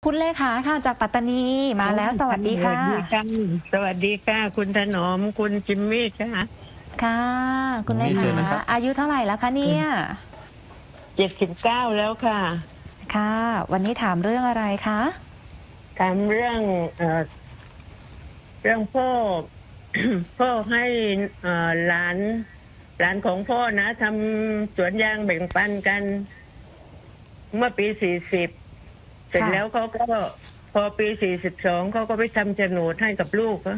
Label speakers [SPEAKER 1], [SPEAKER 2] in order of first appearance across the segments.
[SPEAKER 1] คุณเลขาค่ะจากปัตตานีมาแล้วสวัสดีค่ะ
[SPEAKER 2] สวัสดีค่ะคุณถนอมคุณจิมมี่ค่ะ
[SPEAKER 1] ค่ะคุณเล
[SPEAKER 3] เชิญนะครั
[SPEAKER 1] ขา
[SPEAKER 3] บ
[SPEAKER 1] อายุเท่าไหร่แล้วคะเนี่ย
[SPEAKER 2] 79แล้วค่ะ
[SPEAKER 1] ค่ะวันนี้ถามเรื่องอะไรคะ
[SPEAKER 2] ถามเรื่องเรื่องพ่อ พ่อให้หลานของพ่อนะทำสวนยางแบ่งปันกันเมื่อปี40เสร็จแล้วเขาก็พอปี42เขาก็ไปทำโฉนดให้กับลูก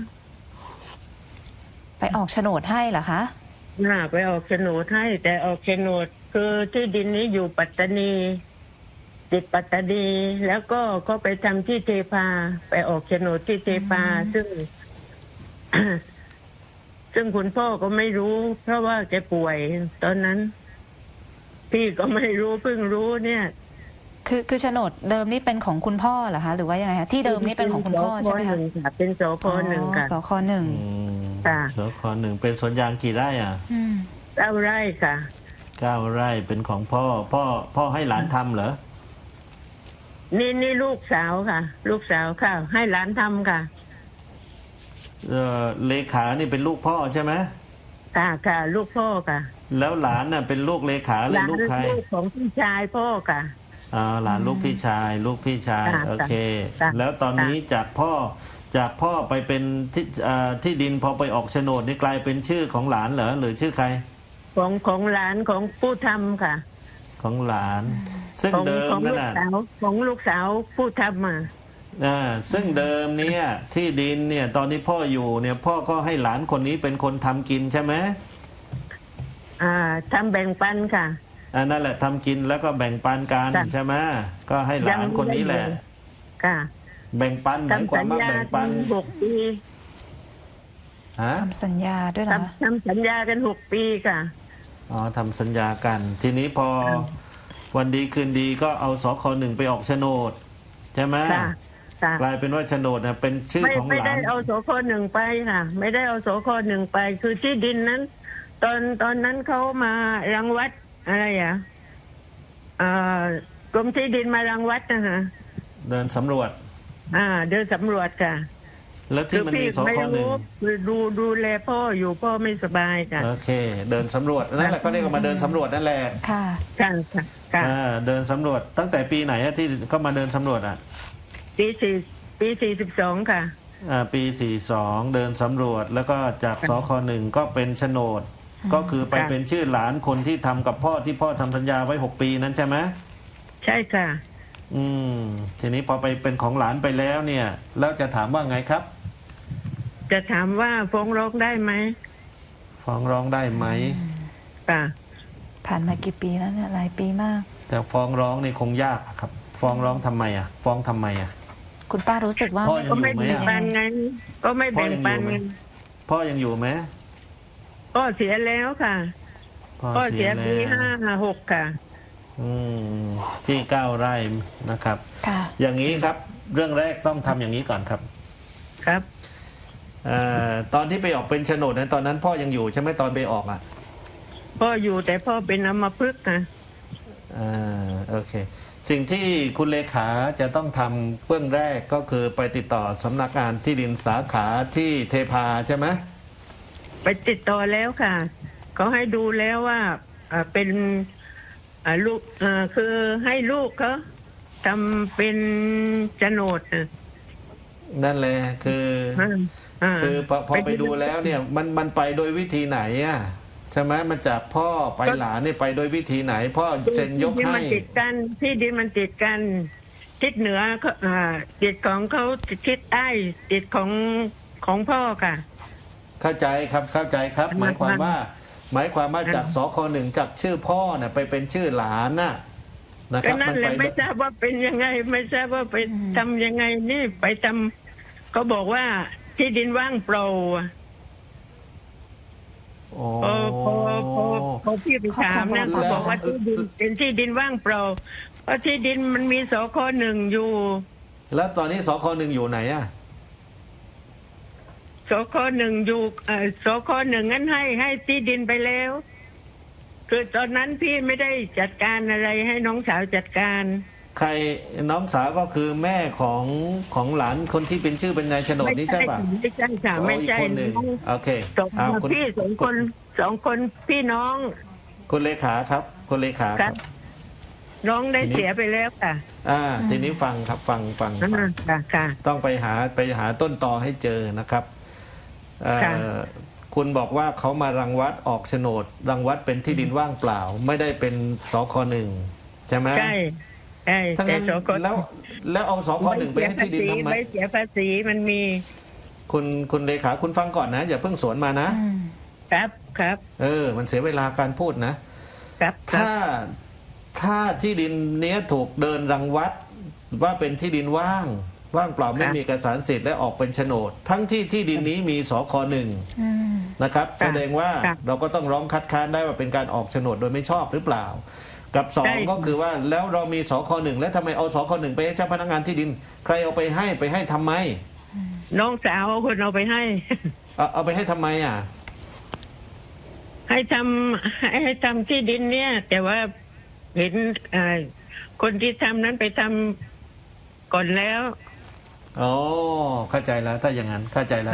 [SPEAKER 1] ไปออกโฉนดให้เหรอคะ
[SPEAKER 2] ไปออกโฉนดให้แต่ออกโฉนดคือที่ดินนี้อยู่ปัตตานีติดปัตตานีแล้วก็เขาไปทำที่เทพาไปออกโฉนดที่เทพาซึ่ง ซึ่งคุณพ่อก็ไม่รู้เพราะว่าแกป่วยตอนนั้นพี่ก็ไม่รู้เพิ่งรู้เนี่ย
[SPEAKER 1] คือโฉนดเดิมนี่เป็นของคุณพ่อเหรอคะหรือว่ายังไงคะที่เดิมนี่เป็นของคุณพ่อใช่ไหมคะ
[SPEAKER 2] เป็นสค.1ค่ะ
[SPEAKER 1] สค.1
[SPEAKER 2] ค่ะ
[SPEAKER 3] สค.1เป็นสวนยางกี่ไร่อ่ะ
[SPEAKER 2] 9 ไร่ค่ะ
[SPEAKER 3] 9 ไร่เป็นของพ่อให้หลานทำเหรอ
[SPEAKER 2] นี่ลูกสาวค่ะ ลูกสาวค่ะให้หลานทำค่ะ
[SPEAKER 3] เลขานี่เป็นลูกพ่อใช่ไหม
[SPEAKER 2] ค่ะลูกพ่อค่ะ
[SPEAKER 3] แล้วหลานน่ะเป็นลูกเลขาหรือลูกใคร
[SPEAKER 2] ลูกของพี่ชายพ่อค่ะ
[SPEAKER 3] หลานลูกพี่ชายโอเคแล้วตอนนี้จากพ่อไปเป็นที่ดินพอไปออกโฉนดนี่กลายเป็นชื่อของหลานเหรอหรือชื่อใคร
[SPEAKER 2] ของหลานของผู้ทำค่ะ
[SPEAKER 3] ของหลานซึ่งเดิมนั่นน่ะ
[SPEAKER 2] ของลูกสาวผู้ทำมา
[SPEAKER 3] ซึ่งเดิมเนี่ยที่ดินเนี่ยตอนนี้พ่ออยู่เนี่ยพ่อก็ให้หลานคนนี้เป็นคนทำกินใช่ไหม
[SPEAKER 2] ทำแบ่งปันค่ะ
[SPEAKER 3] นั่นแหละทำกินแล้วก็แบ่งปันกันใช่ไหมก็ให้หลานคนนี้แหละ
[SPEAKER 2] ค่ะ
[SPEAKER 3] แบ่งปันหมายความว่าแบ่งปัน
[SPEAKER 2] 6 ปี
[SPEAKER 1] ทำสัญญาด้วยเหรอ
[SPEAKER 2] ทำสัญญากัน6 ปีค่ะ
[SPEAKER 3] ทำสัญญากันทีนี้พอวันดีคืนดีก็เอาสค.1ไปออกโฉนดใช่ไหมกลายเป็นว่าโฉนดเป็นชื่อของหลาน
[SPEAKER 2] ไม่ได้เอาสค.1ไปค่ะไม่ได้เอาสค.1ไปคือที่ดินนั้นตอนนั้นเขามารังวัดอะไรกรมที่ดินมารังวัดนะคะ
[SPEAKER 3] เดินสำรวจ
[SPEAKER 2] เดินสำรวจค่ะ
[SPEAKER 3] แล้วที่มันมีสค.1
[SPEAKER 2] คือดูแลพ่ออยู่พ่อไม่สบายค่ะ
[SPEAKER 3] โอเคเดินสำรวจนั่นแหละเขาเรียกว่ามาเดินสำรวจนั่นแหละ
[SPEAKER 1] ค่ะ
[SPEAKER 3] เดินสำรวจตั้งแต่ปีไหนที่ก็มาเดินสำรวจ
[SPEAKER 2] ปี42ค่ะ
[SPEAKER 3] ปี42เดินสำรวจแล้วก็จากสค.1ก็เป็นโฉนดก็คือไปเป็นชื่อหลานคนที่ทำกับพ่อที่พ่อทำสัญญาไว้6 ปีนั้นใช่ไหม
[SPEAKER 2] ใช่ค่ะ
[SPEAKER 3] ทีนี้พอไปเป็นของหลานไปแล้วเนี่ยแล้วจะถามว่าไงครับ
[SPEAKER 2] จะถามว่าฟ้องร้องได้ไหม
[SPEAKER 3] ฟ้องร้องได้ไหม
[SPEAKER 2] ค่ะ
[SPEAKER 1] ผ่านมากี่ปีแล้วเนี่ยหลายปีมาก
[SPEAKER 3] แต่ฟ้องร้องนี่คงยากครับฟ้องร้องทำไมฟ้องทำไม
[SPEAKER 1] คุณป้ารู้สึกว่า
[SPEAKER 2] ก็ไม่แบ่งปันไงก็ไม่แบ่งปัน
[SPEAKER 3] พ่อยังอยู่ไหม
[SPEAKER 2] พ่อเสียแล้วค่ะพ่อเสียปี56ค่ะ
[SPEAKER 3] ที่9 ไร่นะครับอย่างนี้ครับเรื่องแรกต้องทำอย่างนี้ก่อนครับ
[SPEAKER 2] ครับ
[SPEAKER 3] ตอนที่ไปออกเป็นโฉนดนั้นตอนนั้นพ่อยังอยู่ใช่ไหมตอนไปออก
[SPEAKER 2] พ่ออยู่แต่พ่อเป็นอัมพฤกษ์นะ
[SPEAKER 3] โอเคสิ่งที่คุณเลขาจะต้องทำเบื้องแรกก็คือไปติดต่อสำนักงานที่ดินสาขาที่เทพาใช่ไหม
[SPEAKER 2] ไปติดต่อแล้วค่ะเขาให้ดูแล้วว่าเป็นลูกคือให้ลูกเขาทำเป็นโฉนด
[SPEAKER 3] นั่นแหละคือพอไปดูแล้วเนี่ยมันไปโดยวิธีไหนใช่ไหมมันจากพ่อไปหลานนี่ไปโดยวิธีไหนพ่อเซ็นยกให้
[SPEAKER 2] ที่ดินมันติดกันทิศเหนือติดของเขาทิศใต้ติดของพ่อค่ะ
[SPEAKER 3] เข้าใจครับหมายความว่าจากสค.1จากชื่อพ่อเนี่ยไปเป็นชื่อหลานนะครับ
[SPEAKER 2] มันไปไม่ทราบว่าเป็นยังไงไม่ทราบว่าไปทำยังไงนี่ไปทำเขาบอกว่าที่ดินว่างเปล่าพอพี่ไปถามนะเขาบอกว่าที่ดินเป็นที่ดินว่างเปล่าเพราะที่ดินมันมีสค.1อยู่
[SPEAKER 3] แล้วตอนนี้สค.1อยู่ไหน
[SPEAKER 2] สค.1อยู่สค.1งั้นให้ที่ดินไปแล้วคือตอนนั้นพี่ไม่ได้จัดการอะไรให้น้องสาวจัดการ
[SPEAKER 3] ใครน้องสาวก็คือแม่ของหลานคนที่เป็นชื่อเป็นนายโฉนดนี่ใช่ป่ะ
[SPEAKER 2] ไม่ใช่ค่ะ
[SPEAKER 3] อ๋อ
[SPEAKER 2] ไม่
[SPEAKER 3] อีก
[SPEAKER 2] ใช่
[SPEAKER 3] คนหนึ่งโอเค
[SPEAKER 2] สอง
[SPEAKER 3] เอาคุณ
[SPEAKER 2] พี่สองคนพี่น้อง
[SPEAKER 3] คุณเลขาครับคุณเลขาครับ
[SPEAKER 2] น้องได้เสียไปแล้วค่ะ
[SPEAKER 3] ทีนี้ฟังครับฟัง
[SPEAKER 2] ค่ะ
[SPEAKER 3] ต้องไปหาต้นตอให้เจอนะครับ
[SPEAKER 2] ค่ะ
[SPEAKER 3] คุณบอกว่าเขามารังวัดออกโฉนด รังวัดเป็นที่ดินว่างเปล่า ไม่ได้เป็นสคหนึ่งใช่ไหม
[SPEAKER 2] ใช่
[SPEAKER 3] ทั้ง
[SPEAKER 2] แต่
[SPEAKER 3] นั้น
[SPEAKER 2] สองคน
[SPEAKER 3] แล้วเอาสคหนึ่งไปให้ที่ดินทำไม
[SPEAKER 2] ไม่เสียภาษีมันมี
[SPEAKER 3] คุณเลขาคุณฟังก่อนนะ อย่าเพิ่งสวนมานะ
[SPEAKER 2] ครับ
[SPEAKER 3] มันเสียเวลาการพูดนะ
[SPEAKER 2] ครับ
[SPEAKER 3] ถ้าที่ดินเนี้ยถูกเดินรังวัดว่าเป็นที่ดินว่างเปล่าไม่มีเอกสารสิทธิ์และออกเป็นโฉนด ทั้งที่ดินนี้มีสคหนึ่งนะครับ แสดงว่าเราก็ต้องร้องคัดค้านได้ว่าเป็นการออกโฉนดโดยไม่ชอบหรือเปล่า กับสองก็คือว่าแล้วเรามีสคหนึ่งแล้วทำไมเอาสคหนึ่งไปให้เจ้าพนักงานที่ดิน ใครเอาไปให้ทำไม
[SPEAKER 2] น้องสาวคนเอาไปให้
[SPEAKER 3] เอาไปให้ทำไมอ่ะ
[SPEAKER 2] ให้ทำที่ดินเนี่ย แต่ว่าเห็นคนที่ทำนั้นไปทำก่อนแล้ว
[SPEAKER 3] อ๋อเข้าใจแล้วถ้าอย่างนั้นเข้าใจแล้ว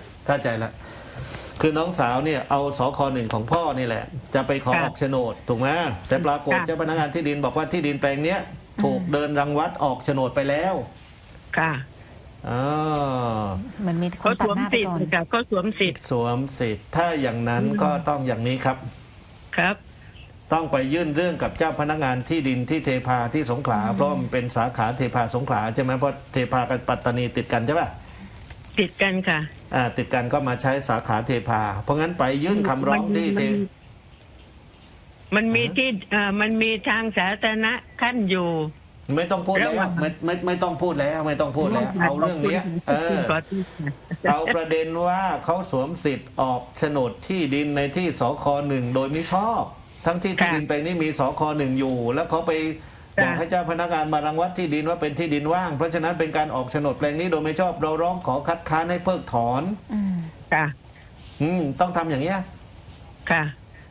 [SPEAKER 3] คือน้องสาวเนี่ยเอาสคหนึ่งของพ่อนี่แหละ จะไปขอออกโฉนดถูกไหมแต่ปรากฏเจ้าพนักงานที่ดินบอกว่าที่ดินแปลงเนี้ยถูกเดินรังวัดออกโฉนดไปแล้ว
[SPEAKER 2] ค่ะ
[SPEAKER 3] อ๋อ
[SPEAKER 1] มันมีค
[SPEAKER 2] เขา
[SPEAKER 1] น
[SPEAKER 2] ส
[SPEAKER 1] ตัด
[SPEAKER 2] วม
[SPEAKER 1] หน้าไป
[SPEAKER 2] สิท
[SPEAKER 1] ก่อน
[SPEAKER 2] ธิ์ค่ะเขาสวมสิทธิ์
[SPEAKER 3] สวมสิทธิ์ถ้าอย่างนั้นก็ต้องอย่างนี้ครับ
[SPEAKER 2] ครับ
[SPEAKER 3] ต้องไปยื่นเรื่องกับเจ้าพนักงานที่ดินที่เทพาที่สงขลาเพราะมันเป็นสาขาเทพาสงขลาใช่ไหมเพราะเทพากับปัตตานีติดกันใช่ป่ะ
[SPEAKER 2] ติดกันค่ะ
[SPEAKER 3] ติดกันก็มาใช้สาขาเทพา เพราะงั้นไปยื่นคำร้องที่เท
[SPEAKER 2] มันมีที่มันมีทางสาธารณะขั้นอยู่
[SPEAKER 3] ไม่ต้องพูดแล้วไม่ต้องพูดแล้วไม่ต้องพูดแล้ว เอาเรื่องเนี้ยเอาประเด็นว่าเขาสวมสิทธิ์ออกโฉนดที่ดินในที่สคหนึ่งโดยไม่ชอบ ทั้งที่ดินแปลงนี้มีสคหนึ่งอยู่ แล้วเขาไปบอกให้เจ้าพนักงานมารังวัดที่ดินว่าเป็นที่ดินว่าง เพราะฉะนั้นเป็นการออกโฉนดแปลงนี้โดยไม่ชอบเราร้องขอคัดค้านให้เพิกถอน
[SPEAKER 2] ค่ะ
[SPEAKER 3] ต้องทำอย่างเงี้ย
[SPEAKER 2] ค่ะ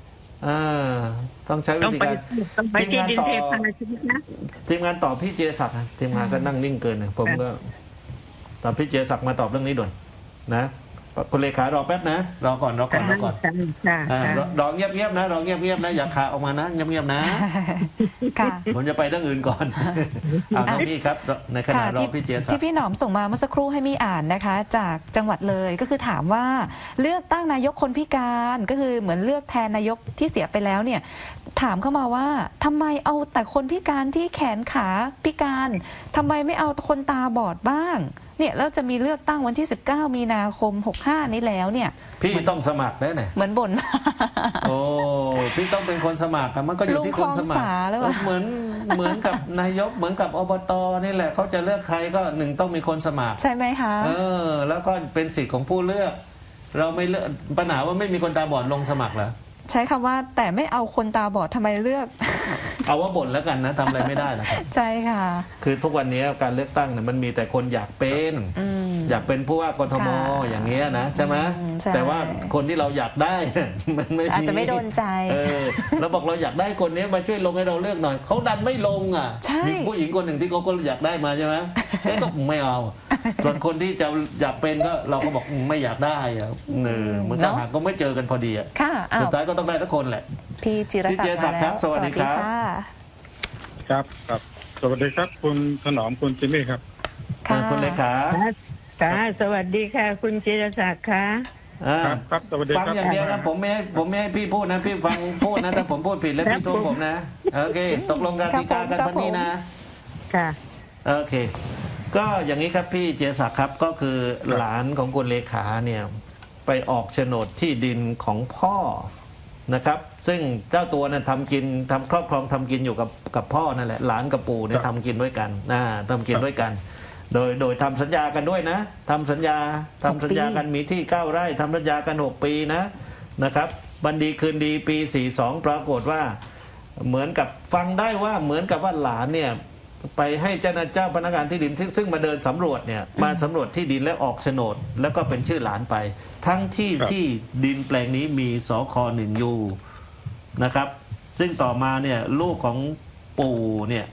[SPEAKER 3] ต้องใช้วิ
[SPEAKER 2] ต้อง
[SPEAKER 3] ธี
[SPEAKER 2] ไป
[SPEAKER 3] การ
[SPEAKER 2] ต้องไปที่ดินเทพาใช่ไหมคะ
[SPEAKER 3] ทีมงานตอบพี่เจศักดิ์ทีมงานก็นั่งนิ่งเกินผมก็ตอบพี่เจศักดิ์มาตอบเรื่องนี้ด่วนนะคุณเลขารอแป๊บนะรอก่อนรอเงียบๆนะรอเงียบๆนะอย่าขาออกมานะเงียบๆนะ
[SPEAKER 1] ค่ะ
[SPEAKER 3] ผมจะไปเรื่องอื่นก่อนเอาน้องพี่ครับในขณะรอพี่เจศัก
[SPEAKER 1] ที่
[SPEAKER 3] ดิ์
[SPEAKER 1] พี่หนอมส่งมาเมื่อสักครู่ให้มี่อ่านนะคะ จากจังหวัดเลยก็คือถามว่าเลือกตั้งนายกคนพิการก็คือเหมือนเลือกแทนนายกที่เสียไปแล้วเนี่ยถามเข้ามาว่าทำไมเอาแต่คนพิการที่แขนขาพิการทำไมไม่เอาคนตาบอดบ้างเนี่ยแล้วจะมีเลือกตั้งวันที่19มีนาคม65นี้แล้วเนี่ย
[SPEAKER 3] พี่ต้องสมัครได้ไหน
[SPEAKER 1] เหมือนบ่น
[SPEAKER 3] โอ้พี่ต้องเป็นคนสมัครมันก็อยู่ที่คนสมัคร
[SPEAKER 1] ลุงคลองสาหรือเปล่า
[SPEAKER 3] เหมือนกับนายกเหมือนกับอบตนี่แหละเขาจะเลือกใครก็หนึ่งต้องมีคนสมัคร
[SPEAKER 1] ใช่ไหมคะ
[SPEAKER 3] แล้วก็เป็นสิทธิ์ของผู้เลือก เราไม่เลือกปัญหาว่าไม่มีคนตาบอดลงสมัครเหรอ
[SPEAKER 1] ใช้คำว่าแต่ไม่เอาคนตาบอดทำไมเลือก
[SPEAKER 3] เอาว่าบ่นแล้วกันนะทำอะไรไม่ได้นะครับ
[SPEAKER 1] ใช่ค่ะ
[SPEAKER 3] คือทุกวันนี้การเลือกตั้งเนี่ยมันมีแต่คนอยากเป็นอยากเป็นผู้ว่ากทม
[SPEAKER 1] ค่ะ
[SPEAKER 3] อย่างเงี้ยนะใช่ไหม
[SPEAKER 1] ใช่
[SPEAKER 3] แต่ว่าคนที่เราอยากได้ มันไม่
[SPEAKER 1] อาจจะไม่โดนใจ
[SPEAKER 3] เราบอกเราอยากได้คนนี้มาช่วยลงให้เราเลือกหน่อยเขาดันไม่ลงอ่ะ
[SPEAKER 1] ใช่
[SPEAKER 3] มีผู้หญิงคนหนึ่งที่เขาก็อยากได้มาใช่ไหมก็ไม่เอา ส่วนคนที่จะอยากเป็นก็เราก็บอกไม่อยากได้อะมันก็หาก็ไม่เจอกันพอดีอ่ะ
[SPEAKER 1] ค่ะอ้า
[SPEAKER 3] สุ
[SPEAKER 1] ว
[SPEAKER 3] ดท้ายก็ต้องได้ทุกคนแหละ
[SPEAKER 1] พี่จิรศักดิ์
[SPEAKER 3] พี่จิรศักดิ์ครับ
[SPEAKER 1] มาแล้ว
[SPEAKER 3] สวัสดีครับ
[SPEAKER 1] ค่ะ
[SPEAKER 4] ครับสวัสดีครับคุณถนอมคุณจิมมี่ครับ
[SPEAKER 1] ค่ะ
[SPEAKER 3] คุณเลขา
[SPEAKER 2] ค่ะสวัสดีค่ะ คุณจิรศักดิ์ค่ะ
[SPEAKER 4] ครับสวัสดี
[SPEAKER 3] ฟัง
[SPEAKER 4] ครับ
[SPEAKER 3] อย่างเดียวนะผมไม่ให้พี่พูดนะพี่ฟังพูดนะถ้าผมพูดผิดแล้วพี่โทษผมนะโอเคตกลงกันดีกากันวันนี้นะ
[SPEAKER 2] ค่ะ
[SPEAKER 3] โอเค ก็อย่างนี้ครับพี่เจศักดิ์ครับก็คือหลานของคุณเลขาเนี่ยไปออกโฉนดที่ดินของพ่อนะครับ ซึ่งเจ้าตัวเนี่ยทำกินทำครอบครองทำกินอยู่กับพ่อนั่นแหละหลานกับปู่เนี่ยทำกินด้วยกันทำกินด้วยกัน โดยทำสัญญากันด้วยนะทำสัญญากันมีที่9 ไร่ทำสัญญากัน6 ปีนะครับบันดีคืนดีปี42ปรากฏว่าเหมือนกับฟังได้ว่าเหมือนกับว่าหลานเนี่ยไปให้เจ้าพนักงานที่ดินซึ่งมาเดินสำรวจเนี่ยมาสำรวจที่ดินและออกโฉนด แล้วก็เป็นชื่อหลานไป ทั้งที่ดินแปลงนี้มีสค1อยู่นะครับซึ่งต่อมาเนี่ยลูกของปู่เนี่ย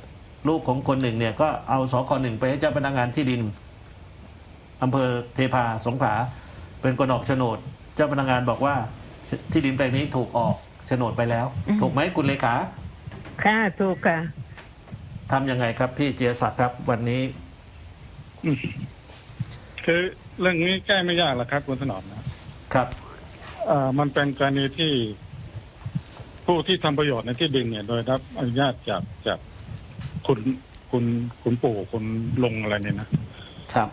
[SPEAKER 3] ลูกของคนหนึ่งเนี่ยก็เอาสคหนึ่งไปให้เจ้าพนักงานที่ดินอำเภอเทพาสงขลาเป็นคนออกโฉนด เจ้าพนักงานบอกว่าที่ดินแปลงนี้ถูกออกโฉนดไปแล้ว ถูกไหมคุณเลขา
[SPEAKER 2] ค่ะถูกค่ะ
[SPEAKER 3] ทำยังไงครับพี่เจียศักดิ์ครับวันนี้
[SPEAKER 4] คือเรื่องนี้แก้ไม่ยากหรอกครับคุณถนอมนะครับ มันเป็นกรณีที่ผู้ที่ทำประโยชน์ในที่ดินเนี่ย โดยรับอนุญาตจากคุณปู่คุณลุงอะไรเนี่ยนะครับ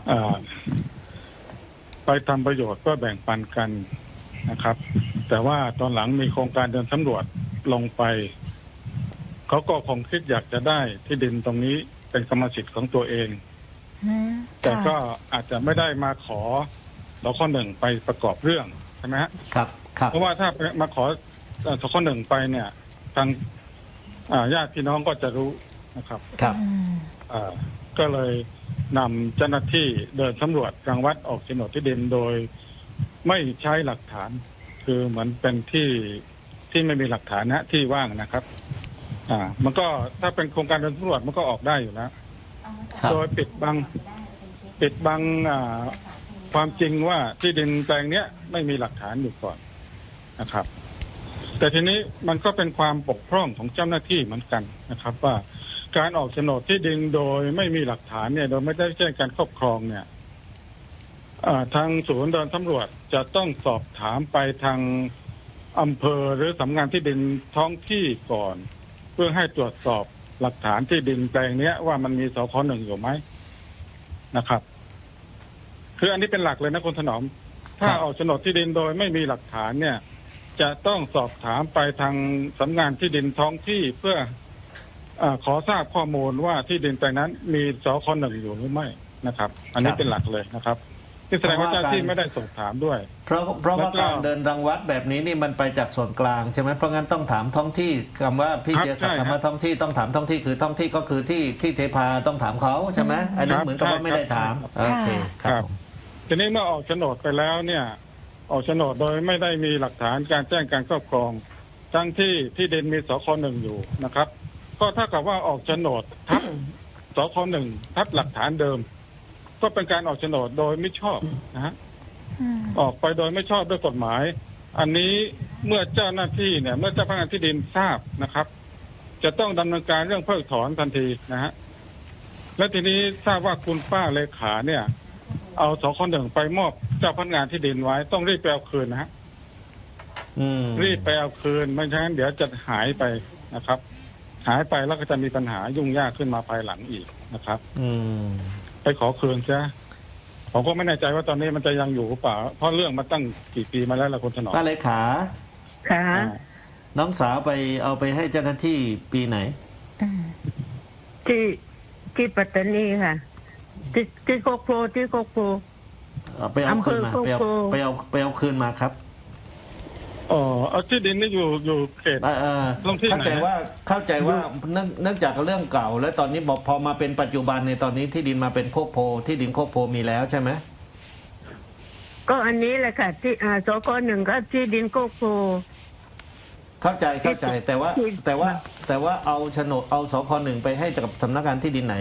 [SPEAKER 4] ไปทำประโยชน์ก็แบ่งปันกันนะครับ แต่ว่าตอนหลังมีโครงการเดินสำรวจลงไปเขาก็คงคิดอยากจะได้ที่ดินตรงนี้เป็นกรรมสิทธิ์ของตัวเอง แต่ก็อาจจะไม่ได้มาขอสคหนึ่งไปประกอบเรื่องใช่ไหมฮะ
[SPEAKER 3] ครับครับ
[SPEAKER 4] เพราะว่าถ้ามาขอสคหนึ่งไปเนี่ยทางญาติพี่น้องก็จะรู้นะครับ
[SPEAKER 3] ครับ
[SPEAKER 4] ก็เลยนำเจ้าหน้าที่เดินสำรวจรังวัดออกโฉนดที่ดินโดยไม่ใช้หลักฐาน คือเหมือนเป็นที่ไม่มีหลักฐานนะที่ว่างนะครับ มันก็ถ้าเป็นโครงการเดินสำรวจมันก็ออกได้อยู่แล้ว
[SPEAKER 3] ครับ
[SPEAKER 4] โดยปิดบังความจริงว่าที่ดินแปลงเนี้ยไม่มีหลักฐานอยู่ก่อนนะครับ แต่ทีนี้มันก็เป็นความบกพร่องของเจ้าหน้าที่เหมือนกันนะครับ ว่าการออกโฉนดที่ดินโดยไม่มีหลักฐานเนี่ยโดยไม่ได้แจ้งการครอบครองเนี่ยทางศูนย์เดินสำรวจจะต้องสอบถามไปทางอำเภอหรือสำนักงานที่ดินท้องที่ก่อน เพื่อให้ตรวจสอบหลักฐานที่ดินแปลงเนี้ยว่ามันมีสคหนึ่งอยู่ไหมนะครับ คืออันนี้เป็นหลักเลยนะคุณถนอม ถ้าออกโฉนดที่ดินโดยไม่มีหลักฐานเนี่ย จะต้องสอบถามไปทางสำนักงานที่ดินท้องที่เพื่อขอทราบข้อมูลว่าที่ดินแปลงนั้นมีสคหนึ่งอยู่หรือไม่นะครับ อันนี้เป็นหลักเลยนะครับที่แสดงว่าเจ้าที่ไม่ได้สอบถามด้วย
[SPEAKER 3] เพราะว่าการเดินรังวัดแบบนี้นี่มันไปจากส่วนกลางใช่ไหมเพราะงั้นต้องถามท้องที่คำว่าพี่
[SPEAKER 4] ครับ
[SPEAKER 3] เจียศักดิ์
[SPEAKER 4] ใช่
[SPEAKER 3] คำว่าท้องที่ต้องถามท้องที่คือท้องที่ก็คือที่เทพาต้องถามเขาใช่ไหมอันนี้
[SPEAKER 4] ครับ
[SPEAKER 3] เหมือนกับว่าไม่ได้ถาม
[SPEAKER 4] ใช่
[SPEAKER 3] โอเคครับผม
[SPEAKER 4] ทีนี้เมื่อออกโฉนดไปแล้วเนี่ย ออกโฉนดโดยไม่ได้มีหลักฐานการแจ้งการครอบครองทั้งที่ดินมีสคหนึ่งอยู่นะครับ ก็เท่ากับว่าออกโฉนดทับสคหนึ่งทับหลักฐานเดิม ก็เป็นการออกโฉนดโดยไม่ชอบนะฮะออกไปโดยไม่ชอบด้วยกฎหมาย อันนี้เมื่อเจ้าหน้าที่เนี่ยเมื่อเจ้าพนักงานที่ดินทราบนะครับ จะต้องดำเนินการเรื่องเพิกถอนทันทีนะฮะและทีนี้ทราบว่าคุณป้าเลขาเนี่ย เอาสคหนึ่งไปมอบเจ้าพนักงานที่ดินไว้ต้องรีบไปเอาคืนนะฮะ รีบไปเอาคืนไม่ฉะนั้นเดี๋ยวจะหายไปนะครับ หายไปแล้วก็จะมีปัญหายุ่งยากขึ้นมาภายหลังอีกนะครับ ไปขอคืนซะผมก็ไม่แน่ใจว่าตอนนี้มันจะยังอยู่หรือเปล่าเพราะเรื่องมันตั้งกี่ปีมาแล้วล่ะคุณถนอม
[SPEAKER 3] ป้าเลขา
[SPEAKER 2] ค่ะ
[SPEAKER 3] น้องสาวไปเอาไปให้เจ้าหน้าที่ปีไหน
[SPEAKER 2] ที่ปัตตานีค่ะ ที่โคกโพที่โคกโพ
[SPEAKER 3] ไปเอาคืนมา
[SPEAKER 2] อำเภอโคกโพ
[SPEAKER 3] ไปเอาคืนมาครับ
[SPEAKER 4] เอาที่ดินนี่อยู่เขต ตรงที่ไหน
[SPEAKER 3] เข้าใจว่าเนื่องจากเรื่องเก่า แล้วตอนนี้บอกพอมาเป็นปัจจุบันในตอนนี้ที่ดินมาเป็นโคกโพที่ดินโคกโพมีแล้วใช่ไหม
[SPEAKER 2] ก็อันนี้แหละค่ะ ที่สคหนึ่งก็ที่ดินโคกโพ
[SPEAKER 3] เข้าใจแต่ว่าเอาโฉนดเอาสคหนึ่งไปให้กับสำนักงานที่ดินไหน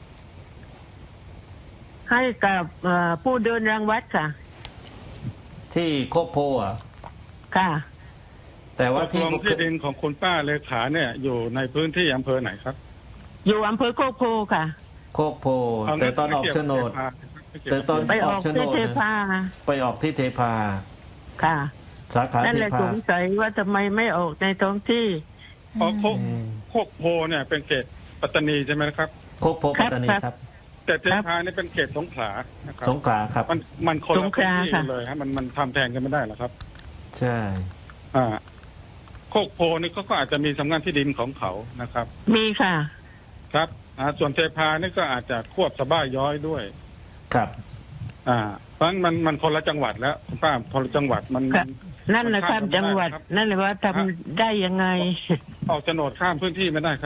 [SPEAKER 2] ให้กับผู้เดินรังวัดค่ะ
[SPEAKER 3] ที่โคกโพอ่ะ
[SPEAKER 2] ค่ะ
[SPEAKER 3] แต่ว่า
[SPEAKER 4] ที่
[SPEAKER 3] ที่
[SPEAKER 4] ดินของคุณป้าเลขาเนี่ย อยู่ในพื้นที่อำเภอไหนครับ
[SPEAKER 2] อยู่อำเภอโคกโพค่ะ
[SPEAKER 3] โคกโพแต่ตอนออกโฉนด แต่ตอน
[SPEAKER 2] ไปออกที่เทพา
[SPEAKER 3] ไปออกที่เทพา
[SPEAKER 2] ค่ะ
[SPEAKER 3] สาขา
[SPEAKER 2] นั่น
[SPEAKER 3] เท
[SPEAKER 2] แหละ
[SPEAKER 3] พา
[SPEAKER 2] สงสัยว่าทำไมไม่ออกในท้องที่
[SPEAKER 4] เพราะโคกโพเนี่ยเป็นเขตปัตตานีใช่ไหมครับ
[SPEAKER 3] โคกโพปัตตานี
[SPEAKER 2] ครับ
[SPEAKER 3] ครับ
[SPEAKER 4] แต่เทพาเนี่ยเป็นเขตสงขลานะครับ
[SPEAKER 3] สงขลาครับ
[SPEAKER 4] มันคน
[SPEAKER 2] ส
[SPEAKER 4] ละ
[SPEAKER 2] งข
[SPEAKER 4] พื้น
[SPEAKER 2] ลา
[SPEAKER 4] ที่
[SPEAKER 2] ค่ะ
[SPEAKER 4] กันเลยฮะมันทำแทนกันไม่ได้หรอกครับ
[SPEAKER 3] ใช่
[SPEAKER 4] โคกโพนี่ก็อาจจะมีสำนักงานที่ดินของเขานะครับ
[SPEAKER 2] มีค่ะ
[SPEAKER 4] ครับส่วนเทพานี่ก็อาจจะควบสะบ้าย้อยด้วย
[SPEAKER 3] ครับ
[SPEAKER 4] เพราะฉะนั้นมันคนละจังหวัดแล้วคุณป้าคนละจังหวัดมัน
[SPEAKER 2] ครับ นั่นแหละครับ
[SPEAKER 4] มันข้าม
[SPEAKER 2] จังหวัด
[SPEAKER 4] ไม่ได้ครับ
[SPEAKER 2] นั่นแหละว่าทำได้ยังไง
[SPEAKER 4] ออกโฉนดข้ามพื้นที่ไม่ได้ครับ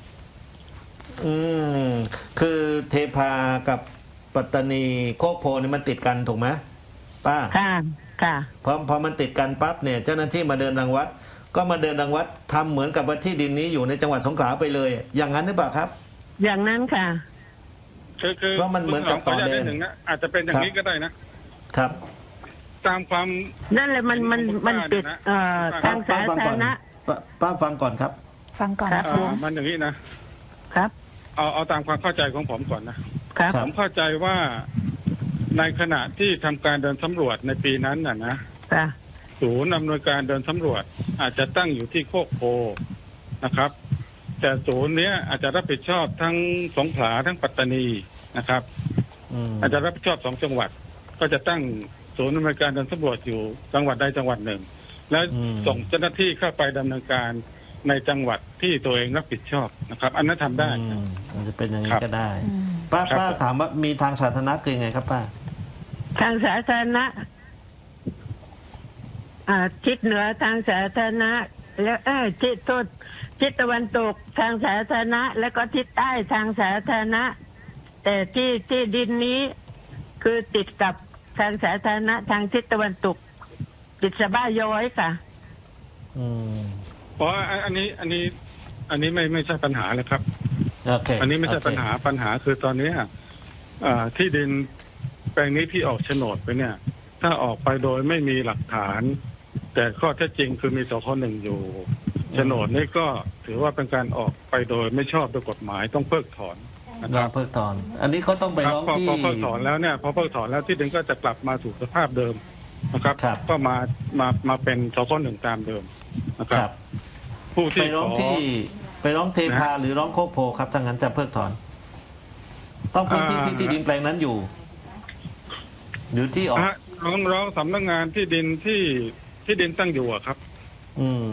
[SPEAKER 3] คือเทพากับปัตตานีโคกโพนี่มันติดกันถูกไหมป้า
[SPEAKER 2] ค่ะ ค่ะ
[SPEAKER 3] พอมันติดกันปั๊บเนี่ยเจ้าหน้าที่มาเดินรังวัด ก็มาเดินรังวัดทำเหมือนกับว่าที่ดินนี้อยู่ในจังหวัดสงขลาไปเลย อย่างนั้นหรือเปล่าครับ
[SPEAKER 2] อย่างนั้นค่ะ
[SPEAKER 4] คือ
[SPEAKER 3] เพราะมันเหมือนกับต่อแดน
[SPEAKER 4] ขญาตนิหนึ่งนะอาจจะเป็นอย่างนี้ก็ได้นะ
[SPEAKER 3] ครับ
[SPEAKER 4] ตามความ
[SPEAKER 2] นั่นแหละมันติดทางสา
[SPEAKER 3] ฟัง
[SPEAKER 2] ธา
[SPEAKER 3] ก่อ
[SPEAKER 2] ร
[SPEAKER 3] น
[SPEAKER 2] ณะ
[SPEAKER 3] ป้าฟังก่อนครับ
[SPEAKER 1] ฟังก่อนนะ
[SPEAKER 2] ครั
[SPEAKER 1] คะ
[SPEAKER 2] บ
[SPEAKER 4] มันอย่างนี้นะ
[SPEAKER 2] ครับ
[SPEAKER 4] เอาตามความเข้าใจของผมก่อนนะ
[SPEAKER 2] ครับ
[SPEAKER 3] ครั
[SPEAKER 4] ผ
[SPEAKER 3] บ
[SPEAKER 4] มเข้าใจว่าในขณะที่ทำการเดินสำรวจในปีนั้นนะ
[SPEAKER 2] ค่ะ
[SPEAKER 4] ศูนย์อำนวยการเดินสำรวจ อาจจะตั้งอยู่ที่โคกโพนะครับ แต่ศูนย์เนี้ยอาจจะรับผิดชอบทั้งสงขลาทั้งปัตตานีนะครับ อาจจะรับผิดชอบ2 จังหวัด ก็จะตั้งศูนย์อำนวยการเดินสำรวจอยู่จังหวัดใดจังหวัดหนึ่ง แล้ว
[SPEAKER 3] อืม
[SPEAKER 4] ส่งเจ้าหน้าที่เข้าไปดำเนินการในจังหวัดที่ตัวเองรับผิดชอบนะครับ อันนั้นทำได้
[SPEAKER 3] มันจะเป็นอย่าง
[SPEAKER 4] ค
[SPEAKER 3] นี้
[SPEAKER 4] รับ
[SPEAKER 3] ก็ได้
[SPEAKER 1] อืม
[SPEAKER 3] ป้า
[SPEAKER 4] ครับ
[SPEAKER 3] ป้าถามว่ามีทางสาธารณะคือยังไงครับป้า
[SPEAKER 2] ทางสาธารณะทิศเหนือทางสาธารณะ แล้วทิศตะวันตกทางสาธารณะ แล้วก็ทิศใต้ทางสาธารณะ แต่ที่ดินนี้คือติดกับทางสาธารณะ ทางทิศตะวันตก ติดสะบ้าย้อยค่ะ
[SPEAKER 3] อืม
[SPEAKER 4] เพราะอันนี้ไม่ใช่ปัญหาเลยครับ
[SPEAKER 3] โอเค
[SPEAKER 4] อันนี้ไม่ใช่
[SPEAKER 3] โเค
[SPEAKER 4] ปัญหาคือตอนนี้ที่ดินแปลงนี้ที่ออกโฉนดไปเนี่ย ถ้าออกไปโดยไม่มีหลักฐาน แต่ข้อเท็จจริงคือมีสค.1อยู่โฉนดนี่ก็ถือว่าเป็นการออกไปโดยไม่ชอบด้วยกฎหมายต้องเพิกถอนนะค
[SPEAKER 3] ร้อ
[SPEAKER 4] รั
[SPEAKER 3] ง
[SPEAKER 4] บ
[SPEAKER 3] เพิกถอน อันนี้เขาต้องไป
[SPEAKER 4] ครับ
[SPEAKER 3] ร้อง
[SPEAKER 4] พอ
[SPEAKER 3] ที่
[SPEAKER 4] เพิกถอนแล้วเนี่ยพอเพิกถอนแล้วที่ดินก็จะกลับมาสู่สภาพเดิมนะครับ
[SPEAKER 3] ครับ
[SPEAKER 4] ก็มาเป็นสค.1ตามเดิมนะค
[SPEAKER 3] ครับ รับ
[SPEAKER 4] ผู้
[SPEAKER 3] ไป
[SPEAKER 4] ที่
[SPEAKER 3] ร้อง
[SPEAKER 4] ขอ
[SPEAKER 3] ที่ไปร้องเทพาหรือร้องโคกโพครับถ้างั้นจะเพิกถอน ต้องพื้นที่ที่ดินแปลงนั้นอยู่ที่ออก
[SPEAKER 4] ร้องสำนักงานที่ดินที่ดินตั้งอยู่อะครับ
[SPEAKER 3] อืม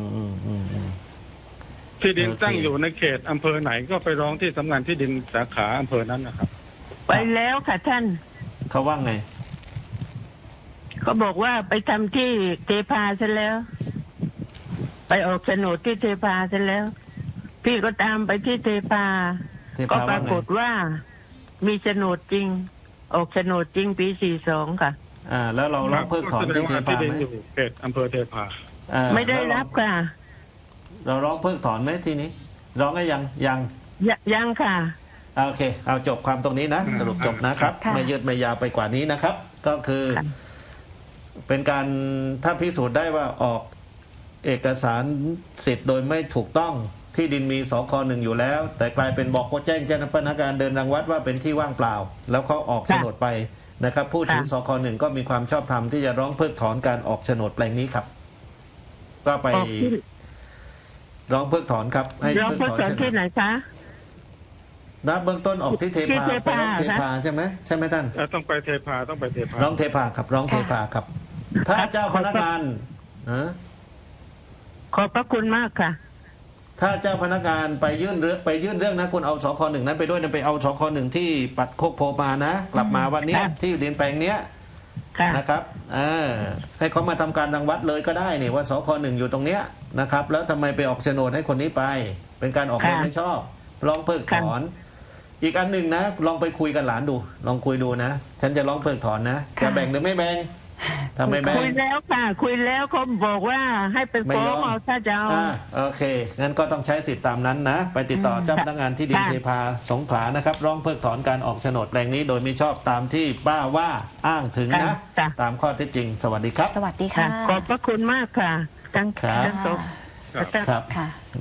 [SPEAKER 4] ที่ดิน
[SPEAKER 3] โอเค
[SPEAKER 4] ตั้งอยู่ในเขตอำเภอไหนก็ไปร้องที่สำนักงานที่ดินสาขาอำเภอนั้นนะครับ
[SPEAKER 2] ไปแล้วค่ะท่าน
[SPEAKER 3] เขาว่าไง
[SPEAKER 2] เขาบอกว่าไปทำที่เทพาซะแล้ว ไปออกโฉนดที่เทพาซะแล้ว พี่ก็ตามไปที่เทพา
[SPEAKER 3] เท
[SPEAKER 2] ก็
[SPEAKER 3] พา
[SPEAKER 2] ป
[SPEAKER 3] ว่า
[SPEAKER 2] รา
[SPEAKER 3] ไง
[SPEAKER 2] กฏว่ามีโฉนดจริง ออกโฉนดจริงปี 42 ค่ะ
[SPEAKER 3] แล้วเราร้องเพิกถอนที่เท
[SPEAKER 4] ที่
[SPEAKER 3] พา
[SPEAKER 4] ดิน
[SPEAKER 3] ไหม
[SPEAKER 4] อยู่เขตอำเภอเทพา
[SPEAKER 2] ไม่ได้รับค่ะ
[SPEAKER 3] เราร้องเพิกถอนไหมทีนี้ ร้องก็ยัง
[SPEAKER 2] ยังค่ะ
[SPEAKER 3] โอเค เอาจบความตรงนี้นะ สรุปจบนะครับ
[SPEAKER 1] ค่ะ
[SPEAKER 3] ไม่ยืดไม่ยาวไปกว่านี้นะครับ ก็คือ
[SPEAKER 2] ค่ะ
[SPEAKER 3] เป็นการถ้าพิสูจน์ได้ว่าออกเอกสารสิทธิ์โดยไม่ถูกต้องที่ดินมีสค.1อยู่แล้ว แต่กลายเป็นบอกว่าแจ้งเจ้าพนักงานเดินรังวัดว่าเป็นที่ว่างเปล่า แล้วเขาออกโฉนดไปนะครับ ผู้ถือสค.1ก็มีความชอบธรรมที่จะร้องเพิกถอนการออกโฉนดแปลงนี้ครับ ก็ไป
[SPEAKER 2] ออกที่
[SPEAKER 3] ร้องเพิกถอนครับ ให้
[SPEAKER 2] ร้อง
[SPEAKER 3] เพิก
[SPEAKER 2] เพิก
[SPEAKER 3] ถอน
[SPEAKER 2] ถอนที่ไหนคะ
[SPEAKER 3] นะเบื้องต้นออกที่เท
[SPEAKER 2] ที่
[SPEAKER 3] พา
[SPEAKER 2] เท
[SPEAKER 3] ไป
[SPEAKER 2] พา
[SPEAKER 3] ร้องเทพาใช่ไหมท่าน
[SPEAKER 4] ต้องไปเทพาต้องไปเทพา
[SPEAKER 3] ร้องเทพาครับร้องเทพาครับ ถ้าเจ้าพนักงานฮะ
[SPEAKER 2] ขอบพระคุณมากค่ะ
[SPEAKER 3] ถ้าเจ้าพนักงานไปยื่นเรื่องนะคุณเอาสค.1นั้นไปด้วยนะไปเอาสค.1ที่ปัดโคกโพมานะ กลับมาวันเนี้ย
[SPEAKER 2] ค่ะ
[SPEAKER 3] ที่ดินแปลงเนี้ย
[SPEAKER 2] ค่ะ
[SPEAKER 3] นะครับให้เขามาทำการรังวัดเลยก็ได้นี่ว่าสค.1อยู่ตรงเนี้ยนะครับ แล้วทำไมไปออกโฉนดให้คนนี้ไป เป็นการออกโดยไม่ชอบร้องเพิกถอน อีกอันหนึ่งนะลองไปคุยกับหลานดู ลองคุยดูนะ ฉันจะร้องเพิกถอนนะจะแบ่งหรือไม่แบ่งถ้าไม่แบ่ง
[SPEAKER 2] คุยแล้วค่ะ คุยแล้วเขาบอกว่าให้ไป
[SPEAKER 3] ไม่
[SPEAKER 2] ฟ้อย
[SPEAKER 3] อง ม
[SPEAKER 2] เอาถ้าจะเอา
[SPEAKER 3] โอเค งั้นก็ต้องใช้สิทธิ์ตามนั้นนะ ไปติดต่อเจ้าพนักงานที่ดิน
[SPEAKER 2] ค่ะ
[SPEAKER 3] เทพาสงขลานะครับ ร้องเพิกถอนการออกโฉนดแปลงนี้โดยไม่ชอบตามที่ป้าว่าอ้างถึงนะ
[SPEAKER 2] ค่ะ
[SPEAKER 3] ตามข้อเท็จจริง สวัสดีครับ
[SPEAKER 1] สวัสดี
[SPEAKER 2] ค่ะ
[SPEAKER 1] ค่ะ
[SPEAKER 2] ขอบพระคุณมากค่ะทั้ง
[SPEAKER 3] ครับ
[SPEAKER 2] ทั้งสอง
[SPEAKER 3] ครับ
[SPEAKER 1] ค่ะ